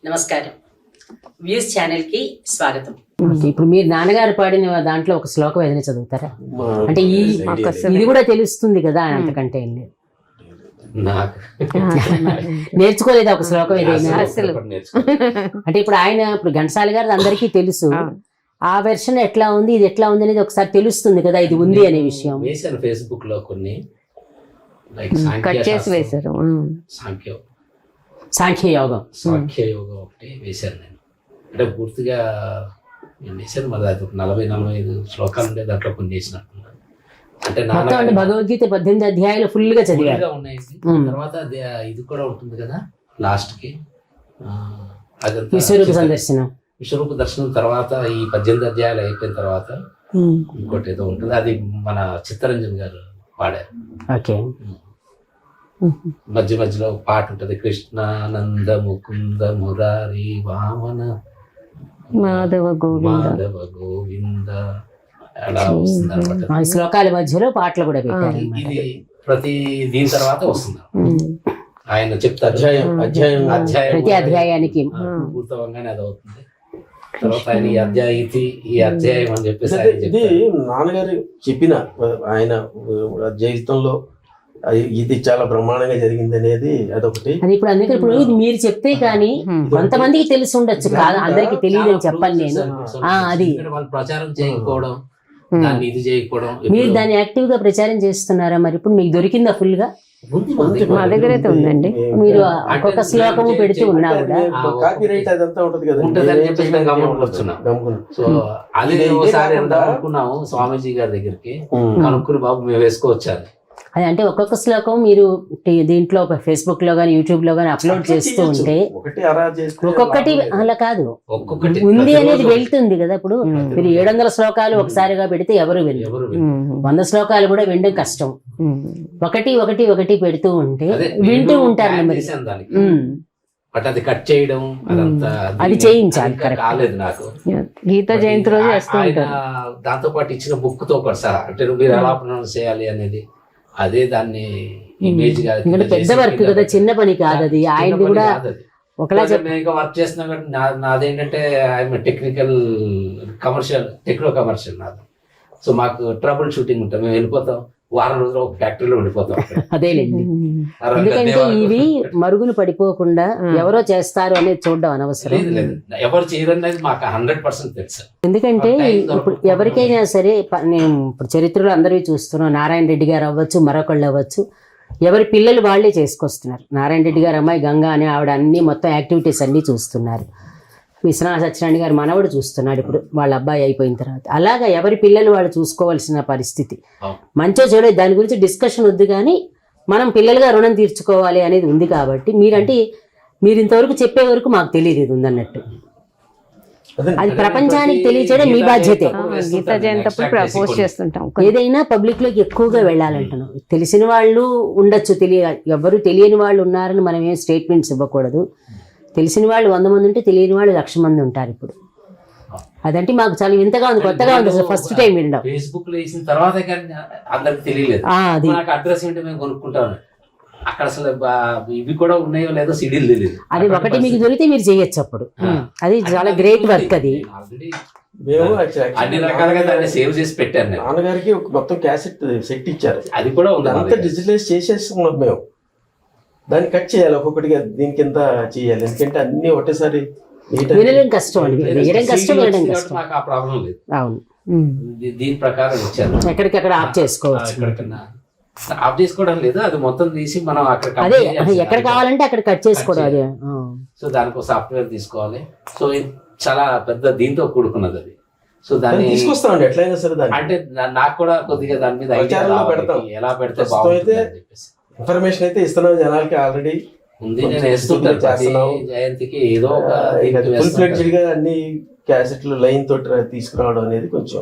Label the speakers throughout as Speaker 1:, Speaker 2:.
Speaker 1: నమస్కారం. Views channel కి స్వాగతం.
Speaker 2: ఇప్పుడు మీరు నాన్నగారు పాడిన దాంట్లో ఒక శ్లోకం ఏదైనా చదువుతారా? అంటే ఇది కూడా తెలుస్తుంది కదా, అంతకంటే ఏం లేదు. నేర్చుకోలేదు ఒక శ్లోకం ఏదైనా అసలు? అంటే ఇప్పుడు ఇప్పుడు ఘంటసాల గారు అందరికీ తెలుసు, ఆ వెర్షన్ ఎట్లా ఉంది, ఇది ఎట్లా ఉంది అనేది ఒకసారి తెలుస్తుంది కదా, ఇది ఉంది అనే విషయం.
Speaker 3: వేసాను ఫేస్బుక్ లో కొన్ని
Speaker 2: కట్ చేసి వేశారు. సాంఖ్యయోగం
Speaker 3: ఒకటి వేశాను నేను. అంటే పూర్తిగా నేను వేసాను, మరి అది ఒక 40-45 శ్లోకాలు ఉండే దాంట్లో కొన్ని వేసినట్టున్నాను. అంటే
Speaker 2: భగవద్గీత 18 అధ్యాయాలు ఫుల్ గా చదివారు.
Speaker 3: ఉన్నాయి. తర్వాత ఇది కూడా ఉంటుంది కదా లాస్ట్ కి,
Speaker 2: విశ్వరూప సందర్శనం.
Speaker 3: విశ్వరూప దర్శనం తర్వాత ఈ 18 అధ్యాయాలు అయిపోయిన తర్వాత ఇంకోటి ఏదో ఉంటుంది, అది మన చిత్తరంజన్ గారు పాడారు.
Speaker 2: ఓకే.
Speaker 3: మధ్య మధ్యలో పాట ఉంటది, కృష్ణానంద ముకుంద మురారి వామన
Speaker 2: మాధవ
Speaker 3: గోవింద అలా వస్తుంది అనమాట.
Speaker 2: శ్లోకాల మధ్యలో పాటలు కూడా పెట్టారు.
Speaker 3: ఇది ప్రతి దీని తర్వాత వస్తుంది ఆయన చెప్తారు, అధ్యాయం
Speaker 2: ప్రతి అధ్యాయానికి
Speaker 3: పూర్తవంగానే అది అవుతుంది. తర్వాత ఆయన ఈ అధ్యాయం అని చెప్పేసి
Speaker 4: నాన్నగారు చెప్పిన ఆయన జీవితంలో ఇది చాలా బ్రహ్మాండంగా జరిగింది అనేది అదొకటి.
Speaker 2: అది ఇప్పుడు అందుకే ఇప్పుడు ఇది మీరు చెప్తే కానీ కొంతమందికి తెలిసి ఉండొచ్చు, కాదు అందరికి తెలియదు అని చెప్పాను నేను. అది
Speaker 3: వాళ్ళు ప్రచారం చేయకపోవడం, దాన్ని ఇది చేయకపోవడం.
Speaker 2: మీరు దాన్ని యాక్టివ్ గా ప్రచారం చేస్తున్నారా? మరి ఇప్పుడు మీకు దొరికిందా ఫుల్ గా? మా దగ్గర అయితే ఉందండి. మీరు ఒక్కొక్క శ్లోకము పెడుతూ ఉన్నా కూడా
Speaker 4: కాపీరైట్ అదంతా ఉంటది కదా,
Speaker 3: ఉంటుందని చెప్పేసి మేము గమనిస్తున్నాం. సో అది ఒకసారి అనుకున్నాము స్వామీజీ గారి దగ్గరికి, కనుక్కుని బాబు మేము వేసుకోవచ్చారు.
Speaker 2: అది అంటే ఒక్కొక్క శ్లోకం మీరు దీంట్లో ఫేస్బుక్ లో గానీ యూట్యూబ్ లో గానీ అప్లోడ్ చేస్తూ ఉంటే ఒక్కొక్కటి అలా కాదు, ఉంది అనేది వెళ్తుంది కదా. ఇప్పుడు మీరు 700 శ్లోకాలు ఒకసారిగా పెడితే ఎవరు వెళ్ళరు, 100 శ్లోకాలు కూడా వినడం కష్టం. ఒకటి ఒకటి ఒకటి పెడుతూ ఉంటే వింటూ ఉంటారు.
Speaker 3: బట్ అది కట్ చేయడం
Speaker 2: అది చేయించాలి.
Speaker 3: కాలేదు నాకు.
Speaker 2: గీతా జయంతి రోజు చేస్తూ ఉంటారు.
Speaker 3: దాంతో పాటు ఇచ్చిన బుక్ తో కూడా సార్, అంటే మీరు ఎలా ప్రొనౌన్స్ చేయాలి అనేది, అదే దాన్ని ఇమేజ్ గా
Speaker 2: పెద్ద వర్క్ కదా, చిన్న పని కాదు అది. ఆయన కూడా ఒకలా
Speaker 3: వర్క్ చేస్తున్నా కానీ నాదేంటంటే ఐఎమ్ టెక్నికల్ టెక్నో కమర్షియల్ నాది. సో మాకు ట్రబుల్ షూటింగ్ ఉంటాం, మేము వెళ్ళిపోతాం, వారం రోజులు ఒక ఫ్యాక్టరీలో ఉండిపోతాం.
Speaker 2: అదేలేండి, ఎందుకంటే ఇవి మరుగులు పడిపోకుండా ఎవరో చేస్తారు అనేది చూడడం అనవసరం.
Speaker 3: ఎవరు చేయరనేది మాకు 100% తెలుసు.
Speaker 2: ఎందుకంటే ఇప్పుడు ఎవరికైనా సరే, నేను ఇప్పుడు చరిత్రలో అందరివి చూస్తున్నాం, నారాయణ రెడ్డి గారు అవ్వచ్చు, మరొకళ్ళు అవ్వచ్చు, ఎవరి పిల్లలు వాళ్ళే చేసుకొస్తున్నారు. నారాయణ రెడ్డి గారు అమ్మాయి గంగా అనే ఆవిడ అన్ని మొత్తం యాక్టివిటీస్ అన్ని చూస్తున్నారు. విశ్వనాథ సత్యనారాయణ గారు మనవడు చూస్తున్నాడు ఇప్పుడు, వాళ్ళ అబ్బాయి అయిపోయిన తర్వాత. అలాగా ఎవరి పిల్లలు వాళ్ళు చూసుకోవాల్సిన పరిస్థితి. మంచో చెడు దాని గురించి డిస్కషన్ వద్దు, కానీ మనం పిల్లలుగా రుణం తీర్చుకోవాలి అనేది ఉంది. కాబట్టి మీరు ఇంతవరకు చెప్పే వరకు మాకు తెలియదు ఇది ఉందన్నట్టు. అది ప్రపంచానికి తెలియచేయడం మీ బాధ్యతే.
Speaker 5: గీతా జయంతి అప్పుడు ప్రపోజ్ చేస్తుంటాం.
Speaker 2: ఏదైనా పబ్లిక్ లోకి ఎక్కువగా వెళ్ళాలంటున్నాం. తెలిసిన వాళ్ళు ఉండొచ్చు, ఎవరు తెలియని వాళ్ళు ఉన్నారని మనం ఏం స్టేట్మెంట్స్ ఇవ్వకూడదు. తెలిసిన వాళ్ళు 100 మంది ఉంటే తెలియని వాళ్ళు 1,00,000 మంది ఉంటారు ఇప్పుడు. అదంటే మాకు చాలా వింతగా ఉంది, కొత్తగా ఉంది అసలు ఫస్ట్ టైం వినడం.
Speaker 3: ఫేస్బుక్ లో వేసిన తర్వాత అందరికి తెలియలేదు. నాకు అడ్రస్ ఏంటో మేము కొనుక్కుంటాను, అక్కడ అసలు ఇవి కూడా ఉన్నాయో లేదో సిడీలు తెలియదు.
Speaker 2: అది ఒకటి మీకు దొరికితే మీరు చేయొచ్చు అప్పుడు. అది చాలా గ్రేట్ వర్క్. అది
Speaker 3: అన్ని రకాలుగా దాన్ని సేవ్ చేసి పెట్టాను.
Speaker 4: నాన్నగారికి మొత్తం క్యాసెట్ సెట్ ఇచ్చారు,
Speaker 3: అది కూడా
Speaker 4: అంతా డిజిటలైజ్ చేసేస్తున్నాం మేము. దాన్ని కట్ చేయాలి, ఒక్కొక్కటిగా దీని కింద చేయాలి, ఎందుకంటే అన్ని ఒకటేసారి
Speaker 2: వినడం కష్టం అండి, వేయడం కష్టం, వినడం కష్టం.
Speaker 3: నాకు ఆ ప్రాబ్లం లేదు.
Speaker 2: అవును,
Speaker 3: దీని ప్రకారం ఇచ్చాను.
Speaker 2: ఎక్కడికక్కడ ఆఫ్ చేసుకోవచ్చు.
Speaker 3: ఆఫ్ చేసుకోవడం లేదు, అది మొత్తం తీసి మనం
Speaker 2: అదే ఎక్కడ కావాలంటే అక్కడ కట్ చేసుకోవడం. అదే
Speaker 3: సో దానికి సాఫ్ట్వేర్ తీసుకోవాలి. సో చాలా పెద్ద దీంతో కూడుకున్నది అది. సో దాన్ని
Speaker 4: తీసుకొస్తామండి ఎట్లయినా సరే.
Speaker 3: అంటే నాకు కూడా కొద్దిగా దాని మీద ఎలా పెడితే బాగుంటుంది అని చెప్పేసి
Speaker 4: ఇన్ఫర్మేషన్ అయితే ఇస్తున్నాం జనాలకి, ఆల్రెడీ
Speaker 3: ఉంది. నేను వేస్తుంటాను జయంతికి ఏదో
Speaker 4: ఫుల్ ఫ్లెడ్జ్డ్ గా అన్ని క్యాసెట్లు లైన్ తోటి తీసుకురావడం అనేది కొంచెం,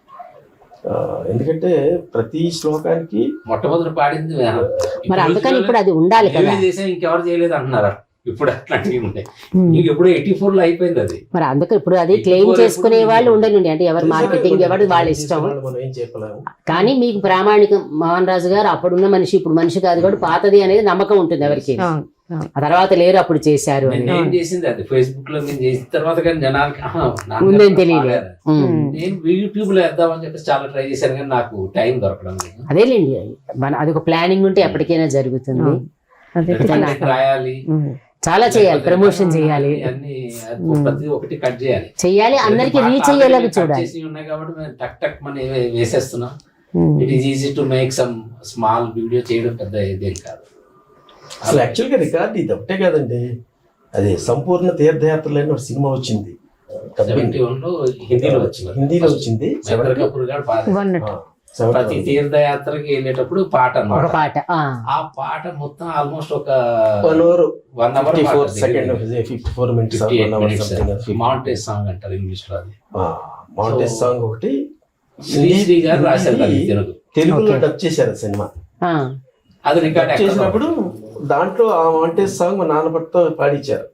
Speaker 4: ఎందుకంటే ప్రతి శ్లోకానికి
Speaker 3: మొట్టమొదటి పాడింది
Speaker 2: మరి, అందుకని ఇప్పుడు అది ఉండాలి కదా.
Speaker 3: ఇంకెవరు చేయలేదు అంటున్నారా? ఇప్పుడు అట్లాంటివి ఉంటాయి. ఇంక ఇప్పుడు 84 లో అయిపోయింది అది.
Speaker 2: మరి అందుకే ఇప్పుడు అది క్లెయిమ్ చేసుకునే వాళ్ళు ఉండనండి, అంటే ఎవరు మార్కెటింగ్ ఎవరు వాళ్ళ ఇష్టం. కానీ మీకు ప్రామాణికం, మోహన్ రాజు గారు అప్పుడున్న మనిషి ఇప్పుడు మనిషి కాదు, కూడా పాతది అనేది నమ్మకం ఉంటుంది ఎవరికి. ఆ తర్వాత లేరు అప్పుడు చేశారు అని
Speaker 3: నేను చేసింది అది ఫేస్బుక్ లో నేను చేసిన తర్వాత కానీ జనాలకి నాన్నగారు
Speaker 2: ఉందని తెలియదు.
Speaker 3: పాడారు. నేను యూట్యూబ్ లో వేద్దామని చెప్పేసి చాలా ట్రై చేశాను కానీ నాకు టైం దొరకడం లేదు.
Speaker 2: అదేలేండి, అది ఒక ప్లానింగ్ ఉంటే ఎప్పటికైనా జరుగుతుంది.
Speaker 5: అదే
Speaker 3: ఎందుకంటే రాయాలి,
Speaker 2: చాలా చేయాలి, ప్రమోషన్ చేయాలి,
Speaker 3: అన్ని ప్రతి ఒక్కటి కట్ చేయాలి
Speaker 2: చెయ్యాలి, అందరికి
Speaker 3: మా
Speaker 2: రీచ్
Speaker 3: తాతయ్య
Speaker 2: అయ్యేలాగా
Speaker 3: కట్
Speaker 2: చూడాలి.
Speaker 3: చేసి ఉన్నాయి కాబట్టి మేము టక్ టక్ మని వేసేస్తున్నాం. It is easy to make some small video చేయడం పెద్ద ఇదేం కాదు.
Speaker 4: అసలు యాక్చువల్గా రికార్డు ఇది ఒకటే కాదండి, అది సంపూర్ణ తీర్థయాత్రలు అని ఒక సినిమా వచ్చింది,
Speaker 3: 71 లో హిందీలో వచ్చింది.
Speaker 4: హిందీలో వచ్చింది.
Speaker 3: మహేంద్ర కపూర్ గారు పాడారు.
Speaker 5: వన్నట్టు
Speaker 3: ప్రతి తీర్థయాత్రకి వెళ్ళేటప్పుడు పాట
Speaker 2: ఒక
Speaker 3: అన్నమాట.
Speaker 2: పాట
Speaker 3: ఆ పాట మొత్తం ఆల్మోస్ట్ ఒక
Speaker 4: 1 hour
Speaker 3: 1 hour
Speaker 4: 54 seconds 54 minutes 1 hour something.
Speaker 3: Montage song అంటారు ఇంగ్లీష్ లో అది.
Speaker 4: మౌంటేజ్ సాంగ్ ఒకటి
Speaker 3: శ్రీశ్రీ గారు రాశారు దాన్ని తెలుగు.
Speaker 4: తెలుగులో డబ్ చేశారు సినిమా.
Speaker 3: అది రికార్డ్
Speaker 4: డబ్ చేసినప్పుడు దాంట్లో ఆ మౌంటేజ్ సాంగ్ మా నాన్న పట్టుతో పాడించారు.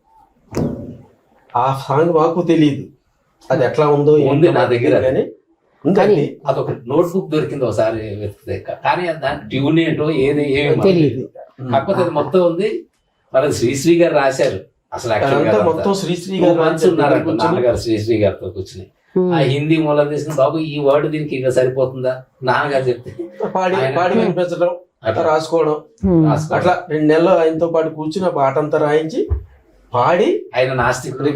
Speaker 4: ఆ సాంగ్ మాకు తెలియదు అది ఎట్లా ఉందో
Speaker 3: ఉంది
Speaker 4: ఏంటో
Speaker 3: నా దగ్గర.
Speaker 4: కానీ ఉందండి.
Speaker 3: అదొక నోట్ బుక్ దొరికింది ఒకసారి వెతికితే, కానీ దాని ట్యూన్ ఏంటో ఏది ఏమి మనకు
Speaker 2: తెలియదు.
Speaker 3: కాకపోతే అది మొత్తం ఉంది. మరి శ్రీశ్రీ గారు రాశారు. అసలు
Speaker 4: అదంతా మొత్తం శ్రీశ్రీ గారు
Speaker 3: ఉన్నారు
Speaker 4: కూర్చొని
Speaker 3: నాన్నగారు శ్రీశ్రీ గారితో కూర్చుని ఆ హిందీ మూలం తీసుకుని, బాబు ఈ వర్డ్ దీనికి ఇంకా సరిపోతుందా నాన్నగారు చెప్తే
Speaker 4: పాడి
Speaker 3: ఆయన-
Speaker 4: పాడి వినిపించడం,
Speaker 3: అట్లా
Speaker 4: రాసుకోవడం,
Speaker 3: రాసుకోవడం.
Speaker 4: అట్లా 2 నెలలు ఆయనతో పాటు కూర్చుని ఆ పాట అంతా రాయించి పాడి
Speaker 3: ఆయన నాస్తికుడు.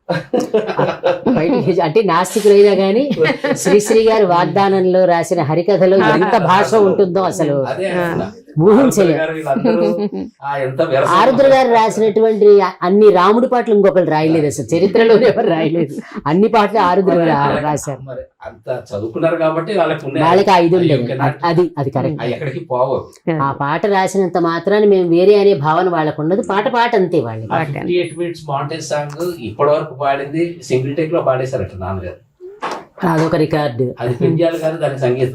Speaker 2: బయటికి అంటే నాస్తికులైనా గానీ శ్రీశ్రీ గారి వాగ్దానంలో రాసిన హరికథలో ఎంత భాష ఉంటుందో అసలు
Speaker 3: అదే అంటున్నా.
Speaker 2: ఊహించలే.
Speaker 3: గారు వీళ్ళందరూ ఎంత విరసం
Speaker 2: ఆరుద్ర గారు రాసినటువంటి అన్ని రాముడి పాటలు ఇంకొకరు రాయలేదు, అసలు చరిత్రలోనే ఎవరు రాయలేదు. అన్ని పాటలు ఆరుద్ర గారు రాశారు.
Speaker 3: మరి అంత చదువుకున్నారు కాబట్టి వాళ్ళకి ఉన్నాయి.
Speaker 2: వాళ్ళకి ఐదు
Speaker 3: అవి
Speaker 2: ఉండేది.
Speaker 3: cannot-
Speaker 2: అది కరెక్ట్.
Speaker 3: అవి ఎక్కడికి పోవు.
Speaker 2: ఆ పాట రాసినంత మాత్రాన్ని మేము వేరే అనే భావన వాళ్ళకు ఉండదు. పాట అంతే వాళ్ళకి.
Speaker 3: 58 minutes మౌంటేజ్ సాంగ్ ఇప్పటి వరకు పాడింది సింగిల్ టేక్ లో పాడేశారట నాన్నగారు.
Speaker 2: అదొక రికార్డు.
Speaker 3: అది పెంచాలి కాదు దానికి సంగీతం.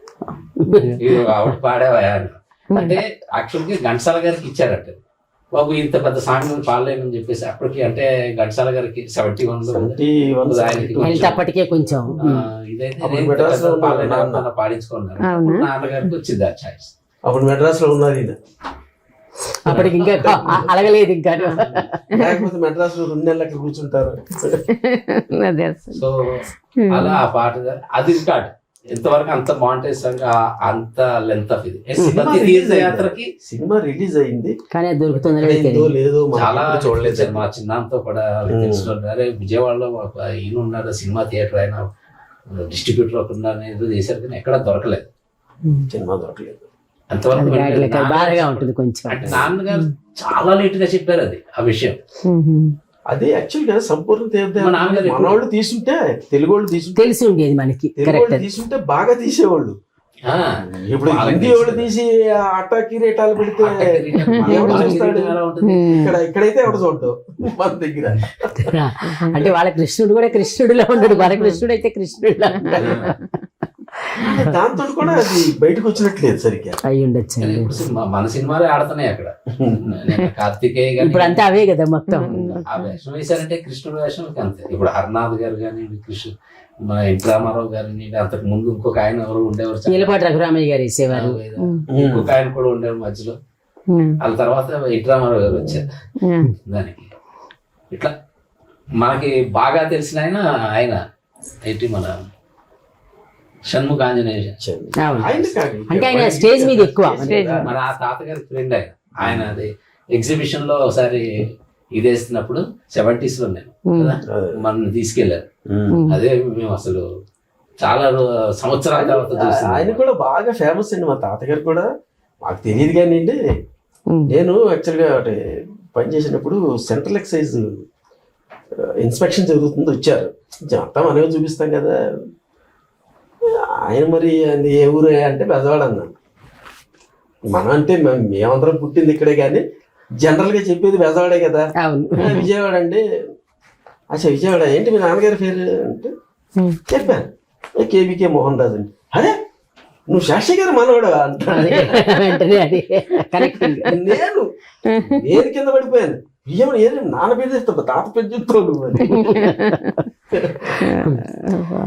Speaker 3: ఇది ఆవిడ పాడేవా అని. అంటే యాక్చువల్గా ఘంటసాల గారికి ఇచ్చారట, బాబు ఇంత పెద్ద సాంగ్ పాడలేమని చెప్పేసి. అప్పటికి అంటే ఘంటసాల గారికి 71 లో ఉంది. ఆయనకి
Speaker 2: హెల్త్ అప్పటికే కొంచెం
Speaker 3: ఇదైతే
Speaker 4: అప్పుడు
Speaker 3: నేను
Speaker 4: మెడ్రాస్ లో
Speaker 3: పెద్ద పాడలేను,
Speaker 4: ఉన్నాడు
Speaker 3: నాన్న పాడించుకున్నారు.
Speaker 5: అవునా?
Speaker 3: నాన్నగారికి వచ్చింది ఆ ఛాయిస్.
Speaker 4: అప్పుడు మెడ్రాస్ లో ఉన్నారు ఈయన.
Speaker 2: అప్పటికి ఇంకా అలగలేదు ఇంకా.
Speaker 4: లేకపోతే మెడ్రాస్ లో 2 నెలలు అక్కడ కూర్చుంటారు.
Speaker 5: అదే అసలు.
Speaker 3: సో అలా ఆ పాట అది రికార్డ్. ఎంతవరకు అంత మౌంటేజ్ సాంగ్ అంత లెంత్ ఆఫ్ ఇది. ప్రతి తీర్థయాత్రకి
Speaker 4: సినిమా రిలీజ్ అయింది
Speaker 2: కానీ అది దొరుకుతుందో
Speaker 4: అయిందో లేదో
Speaker 3: చాలా
Speaker 4: మనం చూడలేదు.
Speaker 3: మా చిన్నంతో కూడా తెలిసిన అరే విజయవాడలో ఈయన ఉన్నారు సినిమా థియేటర్ అయినా డిస్ట్రిబ్యూటర్ ఒక ఉన్నారు ఏదో చేశారు కానీ ఎక్కడ దొరకలేదు.
Speaker 4: సినిమా దొరకలేదు.
Speaker 3: అంతవరకు వెళ్ళలేదు.
Speaker 2: బాధగా ఉంటుంది కొంచెం.
Speaker 3: అంటే నాన్నగారు చాలా లేట్ గా చెప్పారు అది ఆ విషయం.
Speaker 4: అది యాక్చువల్ గా సంపూర్ణ
Speaker 3: మా నాన్నగారు
Speaker 4: మనవాళ్ళు తీసుంటే తెలుగు వాళ్ళు తీసుంటే
Speaker 2: తెలిసి ఉండేది మనకి.
Speaker 4: తెలుగు
Speaker 2: కరెక్ట్.
Speaker 4: వాళ్ళు తీసుంటే బాగా తీసేవాళ్ళు.
Speaker 3: ఆ,
Speaker 4: ఇప్పుడు
Speaker 3: వాళ్ళకి
Speaker 4: హిందీ వాళ్ళు తీసి అట్టాకి రేటాలు పెడితే ఎవడు చూస్తాడు?
Speaker 3: ఎలా ఉంటుంది?
Speaker 4: ఇక్కడైతే ఎవడు చూడటం మన దగ్గర.
Speaker 2: అంటే వాళ్ళ కృష్ణుడు కూడా కృష్ణుడిలా ఉండడు, మన కృష్ణుడు అయితే కృష్ణుడిలా ఉంటాడు.
Speaker 4: దాంతో కూడా అది బయటకు వచ్చినట్లేదు సరిగ్గా.
Speaker 2: అయి ఉండొచ్చు.
Speaker 3: కానీ ఇప్పుడు మన సినిమాలే ఆడుతున్నాయి అక్కడ. నేను కార్తికేయ గాని
Speaker 2: ఇప్పుడు అంతా అవే కదా మొత్తం.
Speaker 3: ఆ వేషం వేశారంటే కృష్ణుడు వేషం అంతే. ఇప్పుడు హర్నాథ్ గారు కానీ కృష్ణ మన ఎన్టీ రామారావు గారిని అంతకు ముందు ఇంకొక ఆయన ఎవరు ఉండేవారు చాలా.
Speaker 2: నీలపాటి రఘురామయ్య గారు వేసేవారు.
Speaker 3: ఇంకొక ఆయన కూడా ఉండేవారు మధ్యలో. వాళ్ళ తర్వాత ఎన్టీ రామారావు గారు వచ్చారు దానికి. ఇట్లా మనకి బాగా తెలిసిన ఆయన ఏంటి మన షణ్ముఖ ఆంజనేయ.
Speaker 2: అవును.
Speaker 4: ఆయన కాదు.
Speaker 2: అంటే ఆయన స్టేజ్ మీద ఎక్కువ.
Speaker 3: మన ఆ తాతగారి ఫ్రెండ్ ఆయన అది ఎగ్జిబిషన్ లో ఒకసారి ఇది వేస్తున్నప్పుడు 70s లో నేను కదా మన తీసుకెళ్లారు. అదే మేము అసలు చాలా సంవత్సరాల తర్వాత
Speaker 4: ఆయన
Speaker 3: చూస్తున్నాం.
Speaker 4: కూడా బాగా ఫేమస్ అండి. మా తాతగారు కూడా మాకు తెలియదు కానీ అండి, నేను యాక్చువల్గా పనిచేసినప్పుడు సెంట్రల్ ఎక్సైజ్ ఇన్స్పెక్షన్ జరుగుతుంది వచ్చారు. అంతా మనమే చూపిస్తాం కదా. ఆయన మరి ఏ ఊరు అంటే బెజవాడ అన్నాను. మనం అంటే మేమందరం పుట్టింది ఇక్కడే కానీ జనరల్గా చెప్పేది బెజవాడే కదా.
Speaker 2: అవును.
Speaker 4: విజయవాడ అంటే అచ్చా విజయవాడ ఏంటి మీ నాన్నగారి పేరు అంటే చెప్పాను కేబీకే మోహన్ రాజు అండి. అరే నువ్వు శాస్త్రి గారు మనవాడు అంటాడు.
Speaker 2: వెంటనే అది కరెక్టింగ్.
Speaker 4: నేను కింద పడిపోయాను. విజయవాడ ఏది నాన్న పేరు చెప్తావు తాత పేరు చెప్తావు నువ్వు అని.